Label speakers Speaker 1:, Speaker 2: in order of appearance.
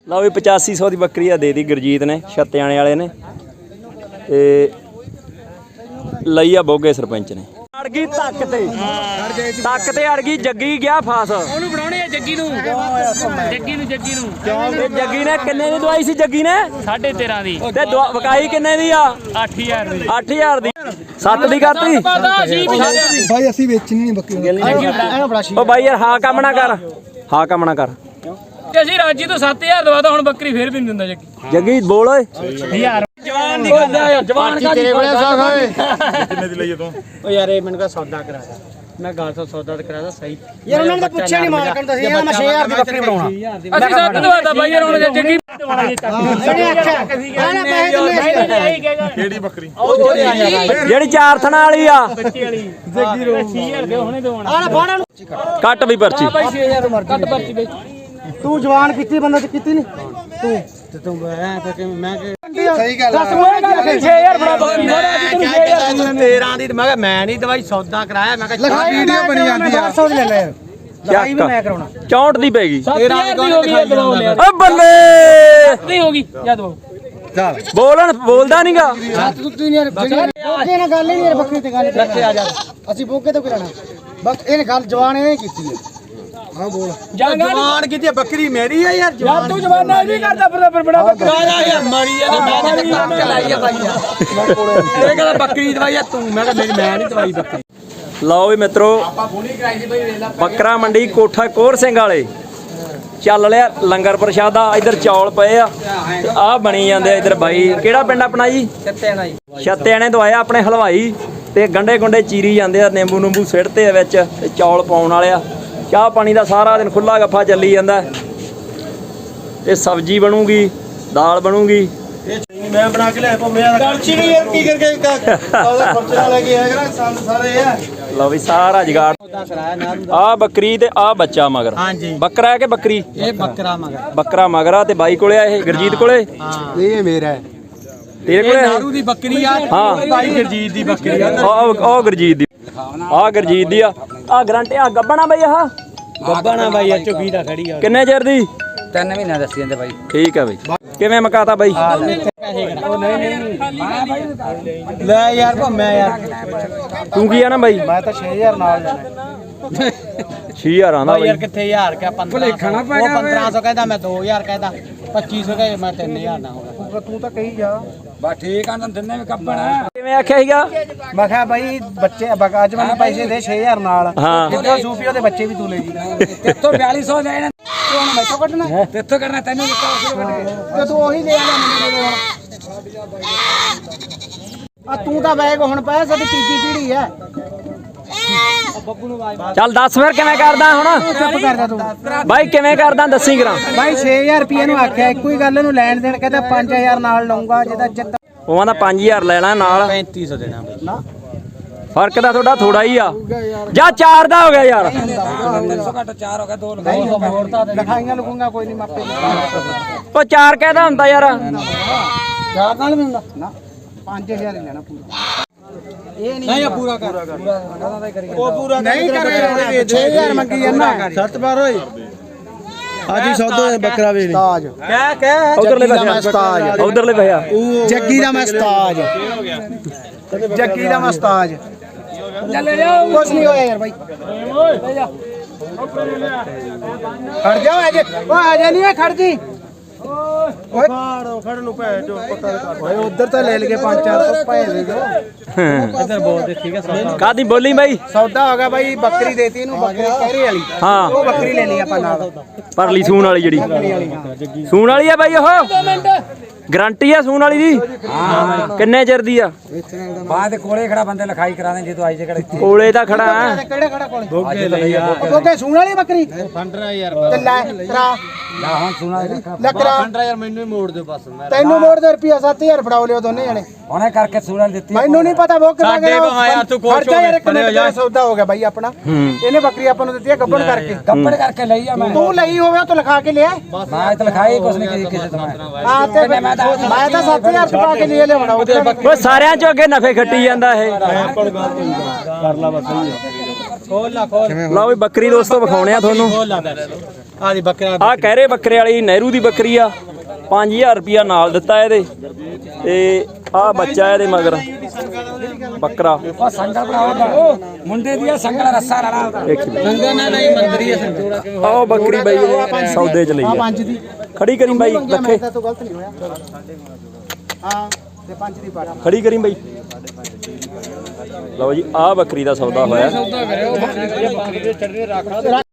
Speaker 1: ਲਓ ਵੀ 8500 ਦੀ ਬੱਕਰੀ ਆ ਦੇ ਦੀ ਗੁਰਜੀਤ ਨੇ ਛੱਤਿਆਣੇ ਵਾਲੇ ਨੇ ਤੇ ਲਈ ਆ ਬੋਗੇ ਸਰਪੰਚ ਨੇ। ਅੜ ਗਈ ਤੱਕ ਤੇ ਅੜ ਗਈ ਜੱਗੀ ਗਿਆ ਫਾਸ
Speaker 2: ਉਹਨੂੰ ਬਣਾਉਣੇ ਆ ਜੱਗੀ ਨੂੰ
Speaker 1: ਜੱਗੀ ਨੇ ਕਿੰਨੇ ਦੀ ਦਵਾਈ ਸੀ ਜੱਗੀ ਨੇ
Speaker 2: 13.5 ਦੀ
Speaker 1: ਤੇ ਵਕਾਈ ਕਿੰਨੇ ਦੀ ਆ
Speaker 2: 8000 ਦੀ
Speaker 1: 8000 ਦੀ 7 ਦੀ ਕਰਤੀ
Speaker 3: ਭਾਈ ਅਸੀਂ ਵੇਚਣੀ ਨਹੀਂ ਬੱਕਰੀ
Speaker 1: ਉਹ ਬਾਈ ਯਾਰ ਹਾਂ ਕੰਮ ਨਾ ਕਰ
Speaker 2: ਤੇ ਅਸੀਂ ਰਾਜੀ ਤੋਂ 7000 ਦਵਾਦਾ ਹੁਣ ਬੱਕਰੀ ਫੇਰ ਵੀ ਨਹੀਂ ਦਿੰਦਾ
Speaker 1: ਜੱਗੀ ਬੋਲ ਓਏ
Speaker 2: ਯਾਰ ਜਵਾਨ ਦੀ ਗੱਲ ਆ ਜਵਾਨ ਕਾ
Speaker 3: ਤੇਰੇ ਕੋਲੇ ਸਾਖ ਓਏ
Speaker 4: ਕਿੰਨੇ ਦੀ ਲਈ ਤੂੰ
Speaker 3: ਓ ਯਾਰ ਇਹ ਮੈਨੂੰ ਕਾ ਸੌਦਾ ਕਰਾਦਾ ਮੈਂ ਗੱਲ ਤੋਂ ਸੌਦਾ ਤੇ ਕਰਾਦਾ ਸਹੀ ਯਾਰ ਉਹਨਾਂ ਨੇ ਤਾਂ ਪੁੱਛਿਆ ਨਹੀਂ ਮਾਰ ਕਰਨ ਦੱਸਿਆ ਮੈਂ 6000 ਦੀ ਬੱਕਰੀ ਬਣਾਉਣਾ
Speaker 2: ਅਸੀਂ 7 ਦਵਾਦਾ ਬਾਈ ਯਾਰ ਹੁਣ ਜੱਗੀ ਦਵਾਣਾ
Speaker 3: ਇਹਨੇ ਆਖਿਆ ਕਹਿੰਦਾ ਪੈਸੇ ਦਿੰਨੇ
Speaker 4: ਕਿਹੜੀ ਬੱਕਰੀ
Speaker 1: ਜਿਹੜੀ ਚਾਰ ਥਣਾ ਵਾਲੀ ਆ
Speaker 2: ਬੱਚੀ ਵਾਲੀ ਜੱਗੀ ਰੋ 6000 ਦੇ ਹੁਣੇ ਦਵਾਣਾ
Speaker 3: ਆਹ ਫਾੜਾ ਨੂੰ
Speaker 1: ਕੱਟ ਵੀ ਪਰਚੀ
Speaker 2: ਬਾਈ 6000 ਮਰ ਕੱਟ ਪਰਚੀ ਬਈ
Speaker 3: ਤੂੰ ਜਵਾਨ ਕੀਤੀ ਬੰਦਾ ਤੇ ਕੀਤੀ ਨਹੀਂ ਤੂੰ ਐ ਤਾਂ ਕਿ ਮੈਂ ਸਹੀ ਗੱਲ
Speaker 2: ਦੱਸ ਉਹ ਗੱਲ 6000 ਬਣਾ ਬੱਕਰੀ ਮਾਰਾ ਅੱਜ ਤੈਨੂੰ 6000
Speaker 3: 13 ਦੀ ਮੈਂ ਕਿਹਾ ਮੈਂ ਨਹੀਂ ਦਵਾਈ ਸੌਦਾ ਕਰਾਇਆ ਮੈਂ ਕਿਹਾ ਵੀਡੀਓ ਬਣੀ ਜਾਂਦੀ ਆ 400 ਲੈ ਲੈ ਲਗਾਈ ਵੀ ਮੈਂ ਕਰਾਉਣਾ
Speaker 1: 64 ਦੀ ਪੈਗੀ
Speaker 2: 7000 ਦੀ ਹੋ ਗਈ ਦਵਾਓ ਯਾਰ
Speaker 1: ਓ ਬੱਲੇ
Speaker 2: ਨਹੀਂ ਹੋ ਗਈ ਜਾ ਦਵਾਓ
Speaker 1: ਬੋਲਦਾ ਨਹੀਂਗਾ
Speaker 3: ਬੋਕੇ ਨਾਲ ਗੱਲ ਹੀ ਨਹੀਂ ਬੱਕਰੀ ਤੇ ਗੱਲ ਲੱਥੇ ਆ ਜਾ ਅਸੀਂ ਬੋਕੇ ਤੋਂ ਕਰਾਣਾ ਬਸ ਇਹਨੇ ਗੱਲ ਜਵਾਨ ਇਹਨੇ ਕੀਤੀ ਹੈ ਹਾਂ ਬੋਲ
Speaker 2: ਜਵਾਨ
Speaker 3: ਕੀਤੀ ਬੱਕਰੀ ਮੇਰੀ ਆ ਯਾਰ
Speaker 2: ਯਾਰ ਤੂੰ ਜਵਾਨਾ ਨਹੀਂ ਕਰਦਾ ਫਿਰ ਬੜਾ ਬੱਕਰਾ
Speaker 3: ਯਾਰ ਮਰੀ ਆ ਮੈਂ ਲਾਈ ਆ ਬਾਈ ਇਹ ਕਹਿੰਦਾ ਬੱਕਰੀ ਦਵਾਈ ਆ ਤੂੰ ਮੈਂ ਕਿਹਾ ਮੈਂ ਨਹੀਂ ਦਵਾਈ ਬੱਕਰੀ
Speaker 1: ਲਓ ਵੀ ਮਿੱਤਰੋ ਬੱਕਰਾ ਮੰਡੀ ਕੋਠਾ ਕੋਰ ਸਿੰਘ ਵਾਲੇ ਚੱਲ ਲਿਆ ਲੰਗਰ ਪ੍ਰਸ਼ਾਦਾ। ਇੱਧਰ ਚੌਲ ਪਏ ਆ ਤੇ ਆਹ ਬਣੀ ਜਾਂਦੇ ਆ। ਇੱਧਰ ਬਾਈ ਕਿਹੜਾ ਪਿੰਡ ਆਪਣਾ ਜੀ ਛੱਤਿਆਣੇ ਤੋਂ ਆਇਆ ਆਪਣੇ ਹਲਵਾਈ ਤੇ ਗੰਡੇ ਗੁੰਡੇ ਚੀਰੀ ਜਾਂਦੇ ਆ, ਨਿੰਬੂ ਨੂੰਬੂ ਸਿੱਟਦੇ ਆ ਵਿੱਚ ਤੇ ਚੌਲ ਪਾਉਣ ਵਾਲੇ ਆ। ਚਾਹ ਪਾਣੀ ਦਾ ਸਾਰਾ ਦਿਨ ਖੁੱਲਾ ਗੱਫਾ ਚੱਲੀ ਜਾਂਦਾ ਤੇ ਸਬਜ਼ੀ ਬਣੂਗੀ, ਦਾਲ ਬਣੂਗੀ।
Speaker 3: ਮੈਂ ਬਣਾ ਕੇ ਲਿਆ ਭੰਮਿਆ ਦਾ ਕਲਚੀ ਨਹੀਂ ਯਾਰ ਕੀ ਕਰਕੇ ਉਹਦਾ ਖਰਚਾ ਲੈ ਕੇ ਆਇਆ ਕਰਾਂ ਸੰਦ ਸਾਰੇ ਆ।
Speaker 1: ਲਓ ਵੀ ਸਾਰਾ ਜਗਾੜ ਆ ਬੱਕਰੀ ਤੇ ਆ ਬੱਚਾ ਮਗਰ।
Speaker 3: ਹਾਂਜੀ
Speaker 1: ਬੱਕਰਾ ਹੈ ਕਿ ਬੱਕਰੀ?
Speaker 3: ਇਹ ਬੱਕਰਾ ਮਗਰ
Speaker 1: ਬੱਕਰਾ ਮਗਰਾ ਤੇ ਬਾਈ ਕੋਲੇ ਆ ਇਹ ਗੁਰਜੀਤ ਕੋਲੇ।
Speaker 3: ਹਾਂ ਇਹ ਮੇਰਾ ਹੈ
Speaker 1: ਤੇਰੇ ਕੋਲੇ
Speaker 3: ਨਾਰੂ ਦੀ ਬੱਕਰੀ ਆ।
Speaker 1: ਹਾਂ
Speaker 3: ਬਾਈ ਗੁਰਜੀਤ ਦੀ ਬੱਕਰੀ ਆ।
Speaker 1: ਆ ਗੁਰਜੀਤ ਦੀ ਆ ਗੁਰਜੀਤ ਦੀ ਆ ਗਰੰਟੀ ਆ ਗੱਬਣਾ ਬਾਈ ਆਹ
Speaker 3: ਗੱਬਾਣਾ ਬਾਈ ਆ ਝੁੱਗੀ ਦਾ ਖੜੀ ਆ।
Speaker 1: ਕਿੰਨੇ ਚਿਰ ਦੀ?
Speaker 3: 3 ਮਹੀਨੇ ਦੱਸੀ ਜਾਂਦੇ ਬਾਈ।
Speaker 1: ਠੀਕ ਆ ਬਾਈ। ਕਿਵੇਂ ਮਕਾਤਾ ਬਾਈ?
Speaker 3: ਲੈ ਯਾਰ ਭੰਮਿਆ ਯਾਰ
Speaker 1: ਤੂੰ ਕੀ ਆ ਨਾ ਬਾਈ?
Speaker 3: ਮੈਂ ਤਾਂ 6000 ਨਾਲ ਜਾਣਾ
Speaker 1: 6000 ਆਂਦਾ
Speaker 3: ਯਾਰ
Speaker 1: ਬਾਈ।
Speaker 3: ਕਿੱਥੇ 1000 ਕਿਆ 1500 ਉਹ 1500 ਕਹਿੰਦਾ ਮੈਂ 2000 ਕਹਿੰਦਾ 2500 ਕਹੇ ਮੈਂ 3000 ਨਾ ਹੋਗਾ। ਤੂੰ ਤਾਂ ਕਹੀ ਜਾ ਬਾ ਠੀਕ ਆ ਨਾ ਦਿੰਨੇ ਵੀ ਕੱਪਣਾ।
Speaker 1: ਕਿਵੇਂ ਆਖਿਆ ਸੀਗਾ?
Speaker 3: ਮੈਂ ਕਿਹਾ ਬਾਈ ਬੱਚੇ ਅੱਜ ਮੈਨੂੰ ਪੈਸੇ ਦੇ 6000 ਨਾਲ।
Speaker 1: ਹਾਂ
Speaker 3: ਜਿੱਦਾਂ ਸੂਫੀਓ ਦੇ ਬੱਚੇ ਵੀ ਤੂੰ ਲੈ ਜੀ। ਤੇਥੋਂ 4200 ਦੇ ਇਹਨਾਂ ਤੂੰ ਹੁਣ ਮੈਥੋਂ ਕੱਢਣਾ ਤੇਥੋਂ ਕਰਨਾ ਤੈਨੂੰ ਤੇ ਤੂੰ ਉਹੀ ਲੈ ਆ ਮੈਨੂੰ ਆ। ਤੂੰ ਤਾਂ ਬੈਗ ਹੁਣ ਪਾਇਆ ਸਾਡੀ ਤੀਜੀ ਪੀੜੀ ਹੈ।
Speaker 1: ਚੱਲ ਦੱਸ ਫਿਰ ਕਿਵੇਂ ਕਰਦਾ ਹੁਣ?
Speaker 3: ਚੁੱਪ ਕਰਦਾ ਤੂੰ
Speaker 1: ਬਾਈ ਕਿਵੇਂ ਕਰਦਾ ਦੱਸੀ ਕਰਾਂ।
Speaker 3: ਬਾਈ 6000 ਰੁਪਏ ਨੂੰ ਆਖਿਆ ਇੱਕੋ ਹੀ ਗੱਲ ਨੂੰ ਲੈਣ ਦੇਣ ਕਹਿੰਦਾ 5000 ਨਾਲ ਲਊਂਗਾ ਜਿਹਦਾ ਚਿੱਤ
Speaker 1: ਉਹ ਆਂਦਾ 5000 ਲੈਣਾ ਨਾਲ
Speaker 3: 3500 ਦੇਣਾ ਨਾ
Speaker 1: ਫਰਕ ਤਾਂ ਤੁਹਾਡਾ ਥੋੜਾ ਹੀ ਆ। ਜਾਂ 4 ਦਾ ਹੋ ਗਿਆ ਯਾਰ।
Speaker 3: 300 ਘੱਟ 4 ਹੋ ਗਿਆ 2 ਲਿਖਾਈਆਂ ਲਗੂੰਗਾ ਕੋਈ ਨਹੀਂ ਮਾਪੇ
Speaker 1: ਉਹ 4 ਕਹਿਦਾ ਹੁੰਦਾ ਯਾਰ।
Speaker 3: 4 ਨਾਲ ਵੀ ਹੁੰਦਾ ਨਾ 5000 ਹੀ ਲੈਣਾ ਪੂਰਾ। ਇਹ ਨਹੀਂ ਪੂਰਾ ਕਰ ਉਹ ਪੂਰਾ ਨਹੀਂ ਕਰ 6000 ਮੰਗੀ ਜਾਂਦਾ 7 ਬਾਰ ਹੋਏ ਹਾਜੀ ਸੌਦਾ ਬੱਕਰਾ ਵੇਚ ਤਾਜ ਕਹਿ
Speaker 1: ਉਧਰਲੇ ਪਾਸੇ ਉਧਰਲੇ ਭਈਆ
Speaker 3: ਜੱਗੀ ਦਾ ਮੈਂ ਉਸਤਾਦ ਜੱਗੀ ਦਾ ਮੈਂ ਉਸਤਾਦ
Speaker 2: ਚੱਲੇ ਜਾਓ
Speaker 3: ਕੁਛ ਨਹੀਂ ਹੋਇਆ ਯਾਰ ਬਾਈ ਖੜ ਜਾ ਅਜੇ ਉਹ ਅਜੇ ਨਹੀਂ ਖੜ ਜੀ ਓਏ ਖੜ ਨੂੰ ਭੈ ਜੋ ਪਤਾ ਓਏ ਉਧਰ ਤਾਂ ਲੈ ਲਗੇ 5-400 ਭੈ ਦੇ ਦੋ ਇੱਧਰ ਬੋਲ ਦੇ ਠੀਕ ਹੈ ਸੌਦਾ
Speaker 1: ਕਾਦੀ ਬੋਲੀ ਬਾਈ?
Speaker 3: ਸੌਦਾ ਹੋ ਗਿਆ ਬਾਈ। ਬੱਕਰੀ ਦੇਤੀ ਇਹਨੂੰ ਬੱਕਰੀ ਕਹਿਰੇ ਵਾਲੀ।
Speaker 1: ਹਾਂ
Speaker 3: ਉਹ ਬੱਕਰੀ ਲੈ ਲਈ ਆਪਾਂ ਨਾਲ
Speaker 1: ਪਰਲੀ ਸੂਣ ਵਾਲੀ ਜਿਹੜੀ ਸੂਣ ਵਾਲੀ ਆ ਬਾਈ। ਉਹ ਗਰੰਟੀ ਆ ਸੂਣ ਵਾਲੀ ਦੀ? ਹਾਂ। ਕਿੰਨੇ ਚਿਰ ਦੀ ਆ?
Speaker 3: ਬਾਅਦ ਕੋਲੇ ਖੜਾ ਬੰਦੇ ਲਿਖਾਈ ਕਰਾ ਦੇ ਜੇ ਤੂੰ ਆਈ ਜੇ ਕਿਹੜੇ
Speaker 1: ਕੋਲੇ ਤਾਂ ਖੜਾ ਆ।
Speaker 3: ਕਿਹੜੇ ਖੜਾ ਕੋਲੇ ਬੋਗੇ ਲਈ ਆ। ਬੋਗੇ ਸੂਣ ਵਾਲੀ ਬੱਕਰੀ ਫੰਡਰਾ ਯਾਰ ਤੇ ਲੈ ਕਰਾ ਲਾ ਹੁਣ ਸੂਣਾ ਲੱਕਰਾ ਫੰਡਰਾ ਯਾਰ ਮੈਨੂੰ ਹੀ ਮੋੜ ਦਿਓ ਬਸ। ਤੈਨੂੰ ਮੋੜ ਦੇ ਰੁਪਿਆ 7000 ਫੜਾਓ ਲਿਓ ਦੋਨੇ ਜਣੇ ਉਹਨੇ ਕਰਕੇ ਸੂਣਾ ਦਿੱਤੀ। ਮੈਨੂੰ ਨਹੀਂ ਪਤਾ ਬੋਗੇ ਦਾ ਯਾਰ ਤੂੰ ਖੋਸ਼ ਹੋ ਯਾਰ। ਇੱਕ ਮਿੰਟ ਦਾ ਸੌਦਾ ਹੋ ਗਿਆ ਬਾਈ ਆਪਣਾ। ਇਹਨੇ ਬੱਕਰੀ ਆਪਾਂ ਨੂੰ ਦਿੱਤੀ ਹੈ ਗੱਬੜ ਕਰਕੇ ਲਈ ਆ ਮੈਂ। ਤੂੰ ਲਈ ਹੋਵੇ ਤੂੰ ਲਿਖਾ ਕੇ ਲਿਆ। ਮੈਂ ਤਾਂ ਲਿਖਾਈ ਕੁਛ ਨਹੀਂ ਕਿਸੇ ਤੋਂ ਹਾਂ ਤੇ ਮੈਂ ਤਾਂ 7000 ਪਾ ਕੇ ਲਈ ਲਿਆਉਣਾ ਉਹਦੇ।
Speaker 1: ਉਹ ਸਾਰਿਆਂ ਚੋਂ ਅੱਗੇ ਨਫੇ ਖੱਟੀ ਜਾਂਦਾ ਇਹ।
Speaker 3: ਕਰ ਲਾ ਬਸ ਸਹੀ ਹੈ। ਖੋਲ ਲਾ ਖੋਲ।
Speaker 1: ਲਓ ਵੀ ਬੱਕਰੀ ਦੋਸਤੋ ਵਿਖਾਉਣੇ ਆ ਤੁਹਾਨੂੰ।
Speaker 3: ਆ ਦੀ ਬੱਕਰਾ
Speaker 1: ਆ ਕਹਿਰੇ ਬੱਕਰੇ ਵਾਲੀ ਨਹਿਰੂ ਦੀ ਬੱਕਰੀ ਆ 5000 ਰੁਪਿਆ ਨਾਲ ਦਿੱਤਾ ਇਹਦੇ ਤੇ ਆ ਬੱਚਾ ਇਹਦੇ ਮਗਰ ਬੱਕਰਾ
Speaker 3: ਮੁੰਡੇ ਦੀ ਸੰਗਲ ਰੱਸਾ ਰਲਾ
Speaker 2: ਸੰਗਾ ਨਾ ਨਹੀਂ ਮੰਦਰੀ ਸੰਤੋੜਾ ਕਿਵੇਂ
Speaker 1: ਆਹ ਬੱਕਰੀ ਬਾਈ ਇਹਦੇ ਸੌਦੇ ਚ ਲਈ ਆ
Speaker 3: ਪੰਜ ਦੀ
Speaker 1: ਖੜੀ ਕਰੀ ਬਾਈ ਲੱਖੇ
Speaker 3: ਤੂੰ ਗਲਤ ਨਹੀਂ ਹੋਇਆ ਹਾਂ ਤੇ ਪੰਜ ਦੀ ਪਾੜਾ
Speaker 1: ਖੜੀ ਕਰੀ ਬਾਈ ਲਓ ਜੀ ਆਹ ਬੱਕਰੀ ਦਾ ਸੌਦਾ ਹੋਇਆ
Speaker 2: ਸੌਦਾ ਕਰਿਓ ਬੱਕਰੀ ਦੇ ਚੜ੍ਹਨੇ ਰੱਖ